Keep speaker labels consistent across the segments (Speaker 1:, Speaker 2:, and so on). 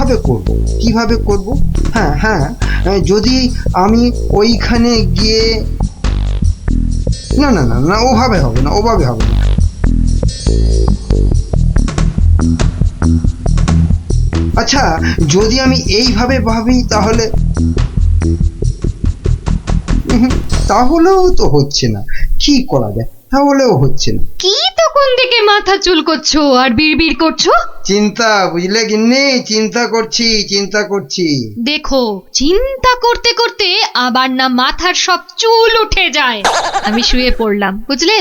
Speaker 1: কিভাবে করব কিভাবে করব? হ্যাঁ হ্যাঁ, যদি আমি ওইখানে গিয়ে, না না না না, ওভাবে হবে না, ওভাবে হবে না। আচ্ছা, যদি আমি এইভাবে ভাবি তাহলে, তাহলেও তো হচ্ছে না। কি করা যায়? তাহলেও হচ্ছে না।
Speaker 2: কি তখন থেকে মাথা চুলকোচ্ছো আর বিড়বিড় করছো?
Speaker 1: চিন্তা, বুঝলে গিন্নি, চিন্তা করছি, চিন্তা করছি।
Speaker 2: দেখো, চিন্তা করতে করতে আবার না মাথার সব চুল উঠে যায়। আমি শুয়ে পড়লাম, বুঝলে?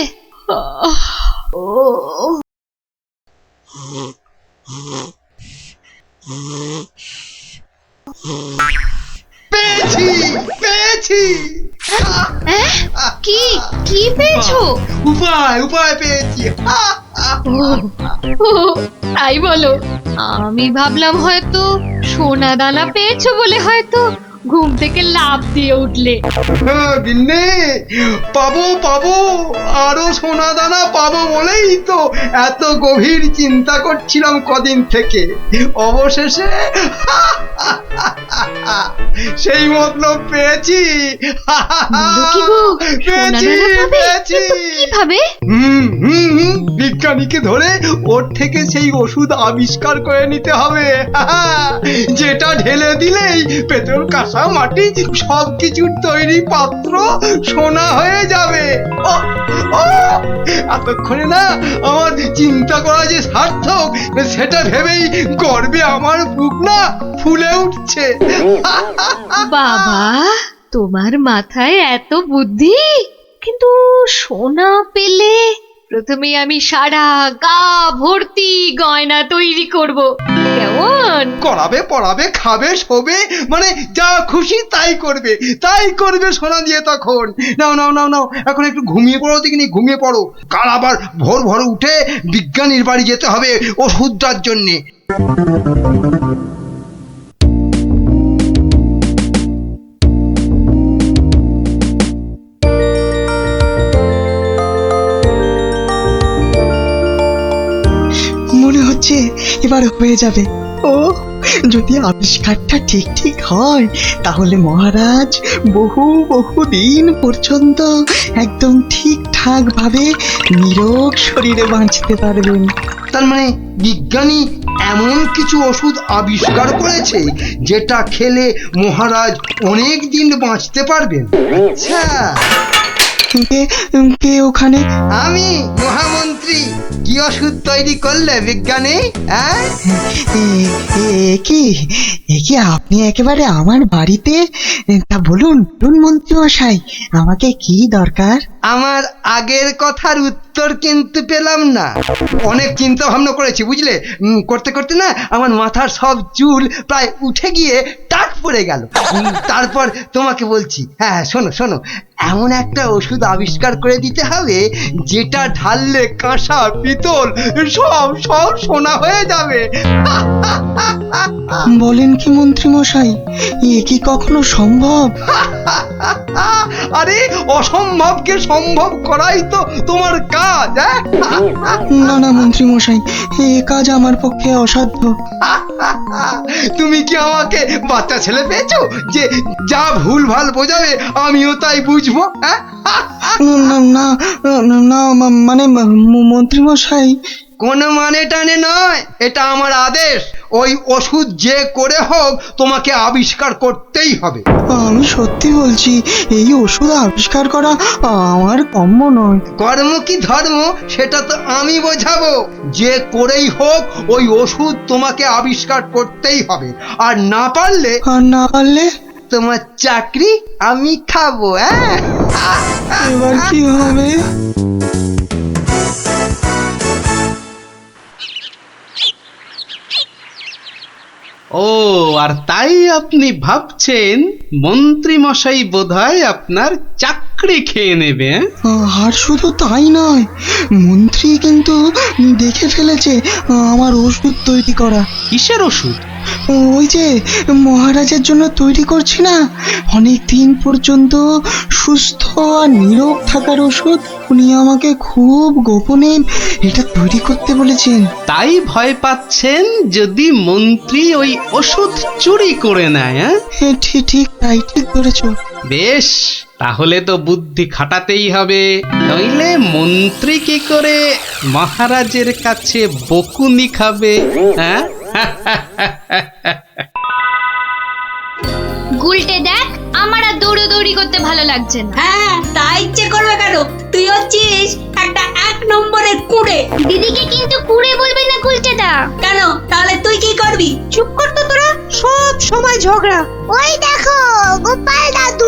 Speaker 1: পেয়েছি, পেয়েছি।
Speaker 2: কি কি পেয়েছো?
Speaker 1: উপায়, উপায় পেয়েছি।
Speaker 2: ও, তাই বলো? আমি ভাবলাম হয়তো সোনা দানা পেয়েছো বলে হয়তো ঘুম থেকে লাফ দিয়ে উঠলে।
Speaker 1: গিন্নি, পাবো পাবো, আরো সোনা দানা পাবো বলেই তো এত গভীর চিন্তা করছিলাম কদিন থেকে। অবশেষে সেই মতলব পেয়েছি।
Speaker 2: বলো কি গো, সোনা
Speaker 1: পেয়েছি,
Speaker 2: দানা পাবে?
Speaker 1: পেয়েছি।
Speaker 2: কিন্তু কিভাবে?
Speaker 1: বিজ্ঞানীকে ধরে ওর থেকে সেই ওষুধ আবিষ্কার করে নিতে হবে, যেটা ঢেলে দিলেই পেট্রোল, কাঁসা, মাটি সবকিছুর তৈরি পাত্র সোনা হয়ে যাবে। এতক্ষণে না আমার চিন্তা করা যে সার্থক, সেটা ভেবেই গর্বে আমার বুক না ফুলে উঠছে।
Speaker 2: বাবা, তোমার মাথায় এত বুদ্ধি! কিন্তু সোনা পেলে প্রথমে আমি সারা গা ভর্তি গয়না তৈরি করব, কেমন?
Speaker 1: করাবে, পড়াবে, খাবে, শোবে, মানে যা খুশি তাই করবে, তাই করবে সোনা দিয়ে তখন। নাও নাও নাও নাও, এখন একটু ঘুমিয়ে পড়ো দেখিনি, ঘুমিয়ে পড়ো। কাল আবার ভোর ভোর উঠে বিজ্ঞানীর বাড়ি যেতে হবে ওষুধটার জন্যে।
Speaker 3: মনে হচ্ছে এবার হয়ে যাবে। ও, যদি আবিষ্কারটা ঠিক ঠিক হয় তাহলে মহারাজ বহু বহু দিন পর্যন্ত একদম ঠিকঠাক ভাবে নিরোগ শরীরে বাঁচতে পারবেন।
Speaker 1: তার মানে বিজ্ঞানী এমন কিছু ওষুধ আবিষ্কার করেছে যেটা খেলে মহারাজ অনেক দিন বাঁচতে পারবেন। আচ্ছা,
Speaker 3: কে কে ওখানে?
Speaker 1: আমি মহামন্ত্রী। কি ওষুধ তৈরি করলে বিজ্ঞানী? হ্যাঁ,
Speaker 3: এ কি আপনি একেবারে আমার বাড়িতে? তা বলুন বলুন মন্ত্রী মশাই, আমাকে কি দরকার?
Speaker 1: আমার আগের কথার উত্তর কিন্তু পেলাম না। অনেক চিন্তা ভাবনা করেছি, বুঝলে। করতে করতে না আমার মাথার সব চুল প্রায় উঠে গিয়ে টাক পড়ে গেল। তারপর তোমাকে বলছি, হ্যাঁ শোনো শোনো, এমন একটা ওষুধ আবিষ্কার করে দিতে হবে যেটা ঢাললে কাঁসা, পিতল সব সব সোনা হয়ে যাবে।
Speaker 3: বলেন কি মন্ত্রী মশাই, এ কি কখনো সম্ভব?
Speaker 1: আরে অসম্ভবকে সম্ভব করাই তো তোমার কাজ।
Speaker 3: না না মন্ত্রী মশাই, এ কাজ আমার পক্ষে অসাধ্য।
Speaker 1: তুমি কি আমাকে বাচ্চা ছেলে পেয়েছো যে যা ভুল ভাল বোঝাবে আমিও তাই বুঝবো?
Speaker 3: না না না, মানে মন্ত্রী মশাই,
Speaker 1: কোনো মানে টানে নয়, এটা আমার আদেশ। ওই ওষুধ যে করে হোক তোমাকে আবিষ্কার করতেই হবে।
Speaker 3: আমি সত্যি বলছি, এই ওষুধ আবিষ্কার করা আমার কম্য নয়।
Speaker 1: কর্ম কি ধর্ম সেটা তো আমি বোঝাবো। যে করেই হোক ওই ওষুধ তোমাকে আবিষ্কার করতেই হবে। আর না পারলে,
Speaker 3: আর না পারলে
Speaker 1: তোমার চাকরি আমি খাবো।
Speaker 3: এবার কি হবে?
Speaker 4: ও, আর তাই আপনি ভাবছেন মন্ত্রী মশাই বোধহয় আপনার চাকরি খেয়ে নেবে?
Speaker 3: আর শুধু তাই নয়, মন্ত্রী কিন্তু দেখে ফেলেছে আমার ওষুধ তৈরি করা।
Speaker 4: কিসের ওষুধ?
Speaker 3: ওই যে মহারাজের জন্য তৈরি করছি না, অনেক দিন পর্যন্ত সুস্থ আর নীরব থাকার ওষুধ। উনি আমাকে খুব গোপনে এটা তৈরি করতে বলেছেন।
Speaker 4: তাই ভয় পাচ্ছেন যদি মন্ত্রী ওই ওষুধ চুরি করে নেয়? হ্যাঁ,
Speaker 3: ঠিক ঠিক তাই, ঠিক ধরেছো।
Speaker 4: বেশ, তাহলে তো বুদ্ধি খাটাতেই হবে, নইলে মন্ত্রী কি করে মহারাজের কাছে বকুনি খাবে? হ্যাঁ,
Speaker 2: গুলটে দেখ, আমার আর দৌড়ি করতে ভালো লাগছে না।
Speaker 5: হ্যাঁ, তাই ইচ্ছে করবে কেন? তুই হচ্ছিস একটা 1 নম্বরের কুড়ে।
Speaker 2: দিদিকে কিন্তু কুড়ে বলবি না গুলটেদা।
Speaker 5: কেন? তাহলে তুই কি করবি? চুপ কর তো তোরা, সব সময় ঝগড়া।
Speaker 2: ওই দেখো গোপাল দাদু।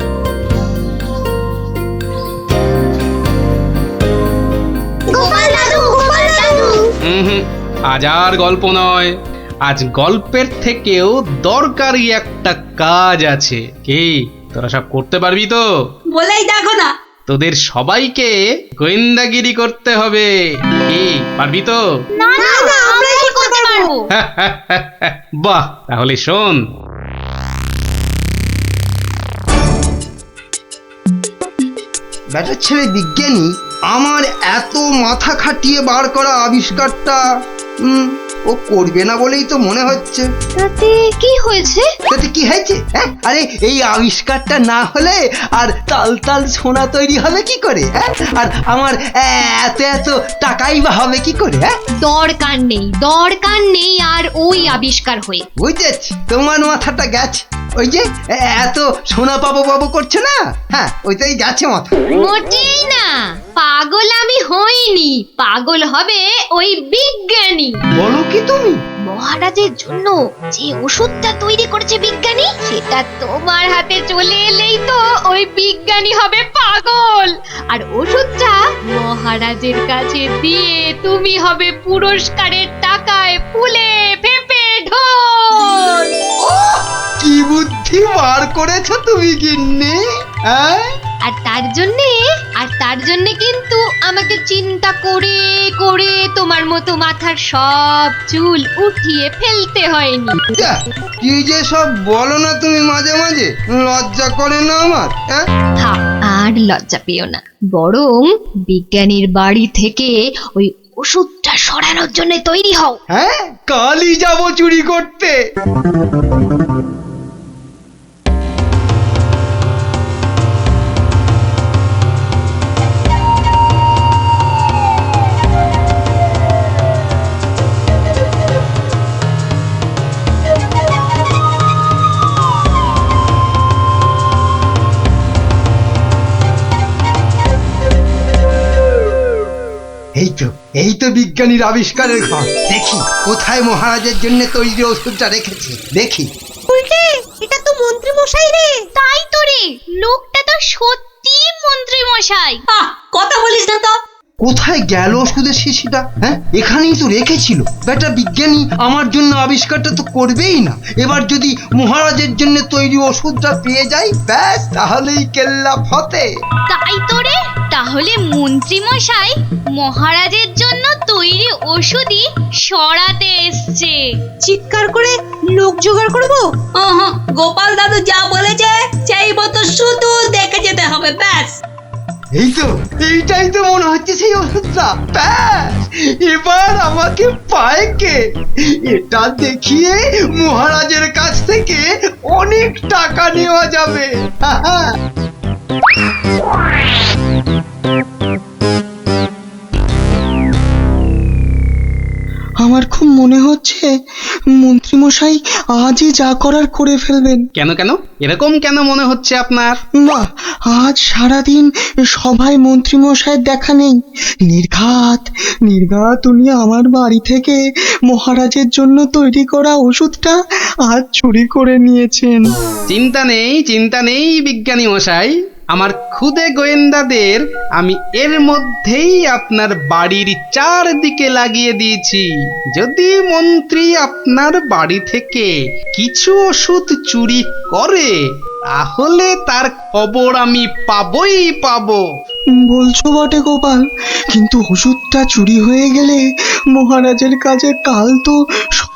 Speaker 2: গোপাল দাদু, গোপাল দাদু।
Speaker 4: হুম, আজ আর গল্প নয়, আজ গল্পের থেকেও দরকারি একটা কাজ আছে। কি তোরা সব করতে পারবি তো?
Speaker 5: বলেই দেখো না।
Speaker 4: তোদের সবাইকে গোয়েন্দাগিরি করতে হবে। কি পারবি তো?
Speaker 2: না না, আমরা কি করতে পারবো?
Speaker 4: বাহ, তাহলে শোন।
Speaker 1: ব্যাটার ছেলে বিজ্ঞানী আমার এত মাথা খাটিয়ে বার করা আবিষ্কারটা ও করবে না বলেই তো মনে হচ্ছে।
Speaker 2: তাতে কি হয়েছে?
Speaker 1: তাতে কি হয়েছে? হ্যাঁ, আরে এই আবিষ্কারটা না হলে আর তাল তাল সোনা তৈরি হবে কি করে? হ্যাঁ, আর আমার এত এত টাকাই বা হবে কি করে? হ্যাঁ,
Speaker 2: দরকার নেই আর ওই আবিষ্কার হয়ে।
Speaker 1: বুঝেছি, তোমার মাথাটা গেছে। ওই যে এত সোনা পাবো করছে না, হ্যাঁ ওইটাই গেছে মাথা।
Speaker 2: মোটেই না, পাগল আমি হইনি, পাগল হবে ওই বিজ্ঞানী।
Speaker 1: বলো কি তুমি?
Speaker 2: মহারাজের জন্য যে ওষুধটা তৈরি করেছে বিজ্ঞানী, সেটা তোমার হাতে চলে এলেই তো ওই বিজ্ঞানী হবে পাগল, আর ওষুধটা মহারাজের কাছে দিয়ে তুমি হবে পুরস্কারের টাকায় ফুলে ফেপে ঢোল।
Speaker 1: কি বুদ্ধি বার করেছো তুমি গিন্নি, হ্যাঁ?
Speaker 2: আর তার জন্যে কিন্তু আমাকে চিন্তা করে করে তোমার মতো মাথার সব চুল উঠিয়ে ফেলতে হয়নি।
Speaker 1: যা, কি যে সব বলো না তুমি মাঝে মাঝে, লজ্জা করে না আমার? হ্যাঁ,
Speaker 2: থাক, আর লজ্জা পেও না, বরং বিজ্ঞানীর বাড়ি থেকে ওই ওষুধটা সরানোর জন্য তৈরি হও।
Speaker 1: হ্যাঁ, কালই যাবো চুরি করতে। এই তো বিজ্ঞানীর আবিষ্কারের ঘর। দেখি কোথায় মহারাজের জন্য তৈরি ওষুধটা রেখেছি, দেখি।
Speaker 5: উল্টে, এটা তো মন্ত্রী মশাই রে।
Speaker 2: তাই তো রে, লোকটা তো সত্যি মন্ত্রী মশাই।
Speaker 5: কথা বলিস না তো।
Speaker 1: কোথায় গেল ওষুধের শিশিটা? হ্যাঁ, এখানেই তো রেখেছিল। বেটা বিজ্ঞানী আমার জন্য আবিষ্কারটা তো করবেই না। এবার যদি মহারাজের জন্য তৈরি ওষুধটা পেয়ে যাই, ব্যাস তাহলেই কেল্লা ফতে।
Speaker 2: তাই তো রে, তাহলে মন্ত্রী মশাই মহারাজের জন্য তৈরি ওষুধই সরাতে এসছে।
Speaker 5: চিৎকার করে লোক জোগাড় করবো? গোপাল দাদু যা বলেছে সেই মতো শুধু দেখে যেতে হবে, ব্যাস।
Speaker 1: এইটাই তো মনে হচ্ছে সেই ওষুধটা। ব্যাস, এবার আমাকে পায় কে? এটা দেখিয়ে মহারাজের কাছ থেকে অনেক টাকা নেওয়া যাবে।
Speaker 3: আমার খুব মনে হচ্ছে মন্ত্রীমশাই আজই যা করার করে ফেলবেন।
Speaker 4: কেন কেন এরকম কেন মনে হচ্ছে আপনার?
Speaker 3: বাহ, আজ সারাদিন সভায় মন্ত্রীমশাইয়ের দেখা নেই। নির্ঘাত উনি আমার বাড়ি থেকে মহারাজের জন্য তৈরি করা ওষুধটা আজ চুরি করে নিয়েছেন।
Speaker 4: চিন্তা নেই বিজ্ঞানী মশাই, আমার খুদে গোয়েন্দাদের আমি এর মধ্যেই আপনার বাড়ির চারদিকে লাগিয়ে দিয়েছি। যদি মন্ত্রী আপনার বাড়ি থেকে কিছু ওষুধ চুরি করে, তাহলে তার খবর আমি পাবই পাবো।
Speaker 3: বলছো বটে গোপাল, কিন্তু ওষুধটা চুরি হয়ে গেলে মহারাজের কাছে কাল তো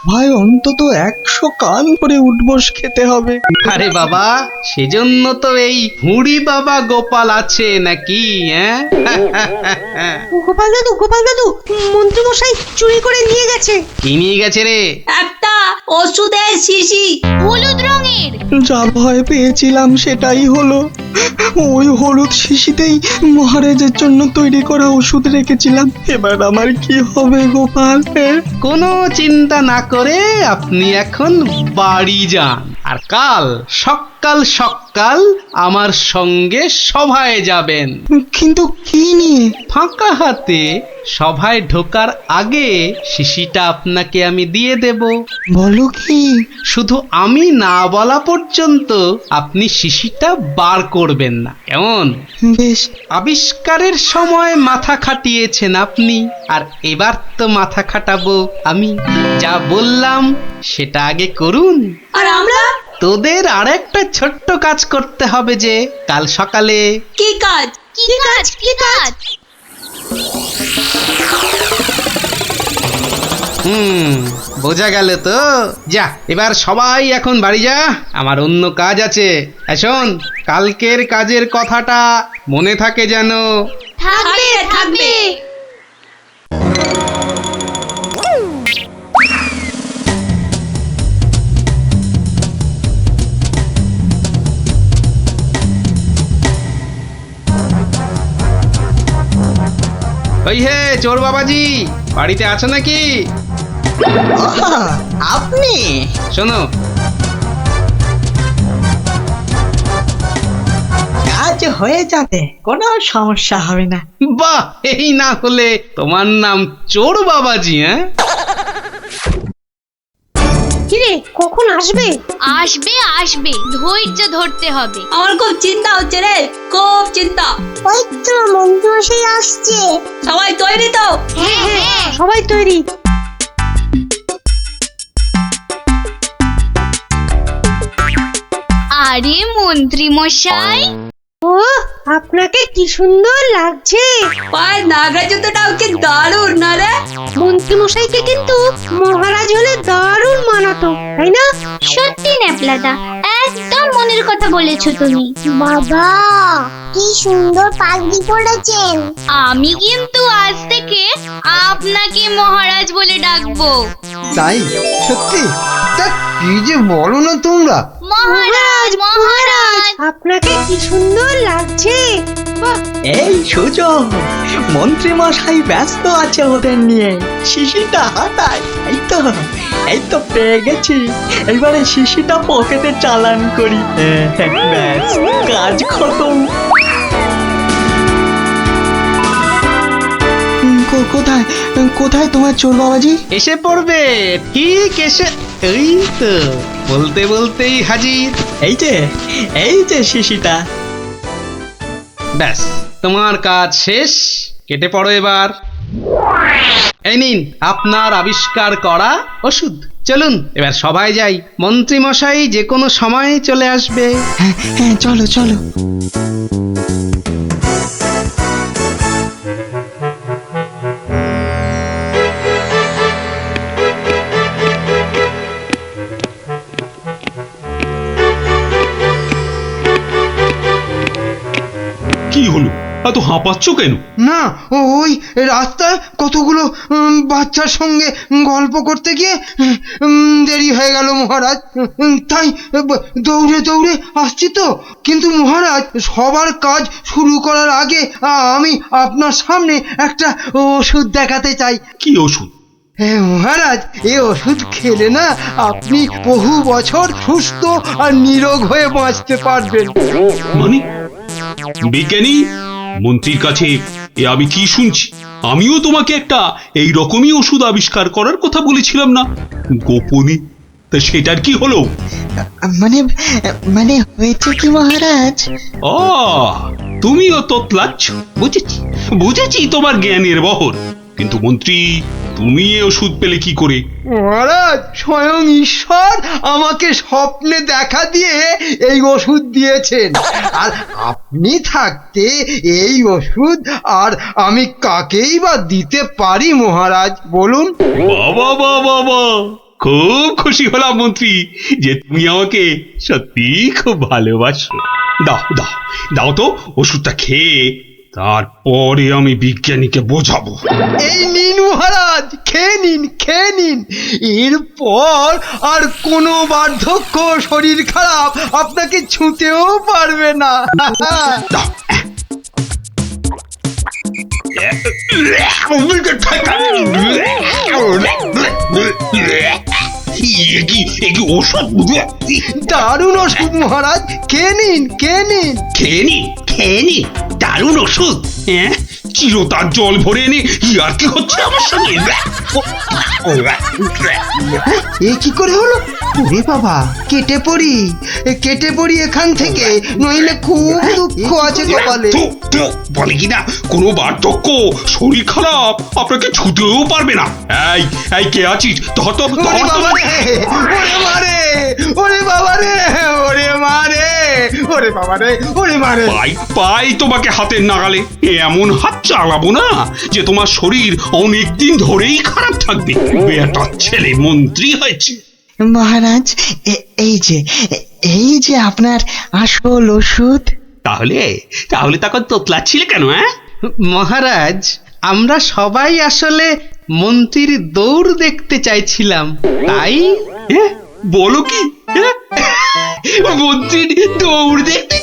Speaker 3: ভাই অন্তত 100 কান করে উঠবস খেতে হবে।
Speaker 4: আরে বাবা, সেজন্য তো এই হুড়ি বাবা গোপাল আছে নাকি, হ্যাঁ?
Speaker 5: গোপাল দাদু মন্ত্রী মশাই চুরি করে নিয়ে গেছে।
Speaker 4: কি নিয়ে গেছে রে?
Speaker 5: একটা ওষুধের শিশি।
Speaker 2: হলুদ রঙের।
Speaker 3: যা ভয় পেয়েছিলাম সেটাই হলো। ওই হলুদ শিশিতেই মহারাজের জন্য তৈরি করা ওষুধ রেখেছিলাম। এবার আমার কি হবে গোপাল?
Speaker 4: কোনো চিন্তা না করে আপনি এখন বাড়ি যান, আর কাল সকাল সকাল আমার সঙ্গে সভায় যাবেন।
Speaker 3: কিন্তু কি নিয়ে?
Speaker 4: ফাঁকা হাতে সভায় ঢোকার আগে শিশিটা আপনাকে আমি দিয়ে দেব।
Speaker 3: বলো কি?
Speaker 4: শুধু আমি না বলা পর্যন্ত আপনি শিশিটা বার করবেন না, কেমন?
Speaker 3: বেশ।
Speaker 4: আবিষ্কারের সময় মাথা খাটিয়েছেন আপনি, আর এবার তো মাথা খাটাবো আমি। যা বললাম সেটা আগে করুন।
Speaker 5: আর আমরা?
Speaker 4: তোদের আরেকটা ছোট্ট কাজ করতে হবে, যে কাল সকালে।
Speaker 5: কি কাজ?
Speaker 2: কি কাজ? কি কাজ?
Speaker 4: বোঝা গেল তো? যা, এবার সবাই এখন বাড়ি যা, আমার অন্য কাজ আছে। শোন, কালকের কাজের কথাটা মনে থাকে যেন।
Speaker 2: থাকবে থাকবে।
Speaker 4: ওই হে চোর বাবাজি, বাড়িতে আছো নাকি?
Speaker 3: আপনি?
Speaker 4: শোনো,
Speaker 3: কাজ হয়ে যাবে, কোনো সমস্যা হবে না।
Speaker 4: বাহ, এই না হলে তোমার নাম চোর বাবাজি, হ্যাঁ?
Speaker 5: কিরে কখন আসবে?
Speaker 2: আসবে আসবে, ধৈর্য ধরতে হবে।
Speaker 5: আমার খুব চিন্তা হচ্ছে রে, খুব চিন্তা।
Speaker 6: ওই তো মন্ত্রী মশাই আসছে।
Speaker 5: সবাই তৈরি তো?
Speaker 2: হ্যাঁ হ্যাঁ।
Speaker 5: সবাই তৈরি।
Speaker 2: আরে মন্ত্রী মশাই,
Speaker 6: ও আপনাকে কি সুন্দর লাগছে।
Speaker 5: পায়ে নাগরা জুতোটাও কি দারুণ না রে?
Speaker 6: মন্ত্রী মশাইকে কিন্তু মহারাজ হলে দারুণ মানাতো, তাই না?
Speaker 2: সত্যি ন্যাপলাদা, একদম মনের কথা বলেছো তুমি।
Speaker 6: বাবা কি সুন্দর পাগড়ি পরেছেন।
Speaker 2: আমি কিন্তু আজ থেকে আপনাকে মহারাজ বলে ডাকবো।
Speaker 1: তাই? সত্যি? তা কি যে বলো না তোমরা।
Speaker 2: মহারাজ মহারাজ।
Speaker 6: আপনাকে কি সুন্দর লাগছে। বাহ,
Speaker 3: এই সুযোগ, মন্ত্রী মশাই ব্যস্ত আছে ওদের নিয়ে। শিশিটা হাতায়। এই তো পেয়ে গেছি। এবারে শিশিটা পকেটে চালান করি। ব্যাস, কাজ খতম। কোথায় কোথায় তোমার চোর বাবাজি?
Speaker 4: এসে পড়বে, ঠিক এসে। এই তো বলতে বলতেই হাজির।
Speaker 3: এই যে শিশিটা।
Speaker 4: ব্যাস, তোমার কাজ শেষ, কেটে পড়ো এবার। এই নিন আপনার আবিষ্কার করা ওষুধ। চলুন এবার সবাই যাই, মন্ত্রী মশাই যে কোনো সময় চলে আসবে।
Speaker 3: হ্যাঁ চলো চলো।
Speaker 7: কি হলো, এত হাঁপাচ্ছ কেন?
Speaker 1: না, ওই রাস্তায় কতগুলো বাচ্চার সঙ্গে গল্প করতে গিয়ে দেরি হয়ে গেল মহারাজ। তাই দৌড়ে দৌড়ে আসছি তো। কিন্তু মহারাজ, সবার কাজ শুরু করার আগে আমি আপনার সামনে একটা ওষুধ দেখাতে চাই।
Speaker 7: কি ওষুধ?
Speaker 1: হ্যাঁ মহারাজ, এই ওষুধ খেলে না আপনি বহু বছর সুস্থ আর নিরোগ হয়ে বাঁচতে পারবেন।
Speaker 7: মানে বিজ্ঞানী মন্ত্রীর কাছে এ আমি কি শুনছি? আমিও তোমাকে একটা এই রকমই ওষুধ আবিষ্কার করার কথা বলেছিলাম না, গোপনে? তা সেটার কি হলো?
Speaker 3: মানে হয়েছে কি মহারাজ?
Speaker 7: তুমিও তোতলাচ্ছ, বুঝেছি তোমার জ্ঞানের বহর। কিন্তু মন্ত্রী, তুমি এ ওষুধ পেলে কি করে?
Speaker 1: মহারাজ, স্বয়ং ঈশ্বর আমাকে স্বপ্নে দেখা দিয়ে এই ওষুধ দিয়েছেন। আর আপনি থাকতে এই ওষুধ আর আমি কাকেই বা দিতে পারি মহারাজ, বলুন?
Speaker 7: বাবা বাবা বাবা, খুব খুশি হলাম মন্ত্রী যে তুমি আমাকে সত্যি খুব ভালোবাসো। দাও দাও দাও তো ওষুধটা খেয়ে তারপরে আমি বিজ্ঞানীকে বোঝাবো।
Speaker 1: এই নিন মহারাজ, খেয়ে নিন, খেয়ে নিন। এরপর আর কোনো বার্ধক্য শরীর খারাপ আপনাকে ছুঁতেও পারবে না।
Speaker 7: দাও। এ কি ওষুধ?
Speaker 1: দারুণ ওষুধ মহারাজ, খেয়ে নিন, খেয়ে নিন।
Speaker 7: খেয়ে নি দারুণ ওষুধ। হ্যাঁ, চিরতার জল ভরে এনে আর কি হচ্ছে আমার সঙ্গে?
Speaker 1: এ কি করে হলো? ওরে বাবা, কেটে পড়ি এখান থেকে, নইলে খুব দুঃখ আছে কপালে।
Speaker 7: বলে কিনা কোনো বার্ধক্য শরীর খারাপ আপনাকে ছুতেও পারবে না। এই কে আছিস?
Speaker 1: ওরে বাবা রে, ওরে মারে, ওরে বাবা রে, ওরে মারে, ওরে বাবা রে, ওরে মারে।
Speaker 7: পাই তোমাকে হাতের নাগালে। এমন হাত চালাবো না যে তোমার শরীর অনেক দিন ধরেই খারাপ থাকবে। বেটার ছেলে মন্ত্রী হয়েছে।
Speaker 3: মহারাজ এই যে আপনার আসল ওষুধ।
Speaker 7: তাহলে তখন তোতলাচ্ছিলে কেন? হ্যাঁ
Speaker 4: মহারাজ, আমরা সবাই আসলে মন্ত্রীর দৌড় দেখতে চাইছিলাম, তাই।
Speaker 7: বলো কি? মন্ত্রীর দৌড়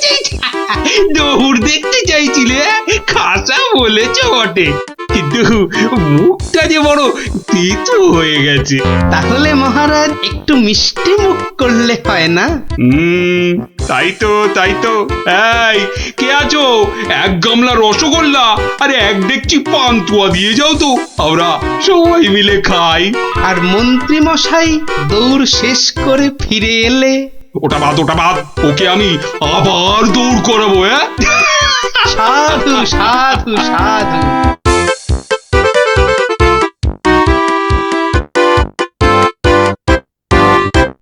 Speaker 7: দেখতে চাইছিলে? খাসা বলেছ বটে, কিন্তু মুখটা যে বড় তেতো হয়ে গেছে।
Speaker 4: তাহলে মহারাজ একটু মিষ্টি মুখ করলে হয় না?
Speaker 7: তাই তো। এই কে আছো? এক গামলা রসগোল্লা আর এক ডেকচি পান্তুয়া দিয়ে যাও তো, আমরা সবাই মিলে খাই।
Speaker 4: আর মন্ত্রী মশাই দৌড় শেষ করে ফিরে এলে?
Speaker 7: ওটা বাদ, ওকে আমি আবার দৌড় করাবো। হ্যাঁ,
Speaker 4: সাধু সাধু সাধু।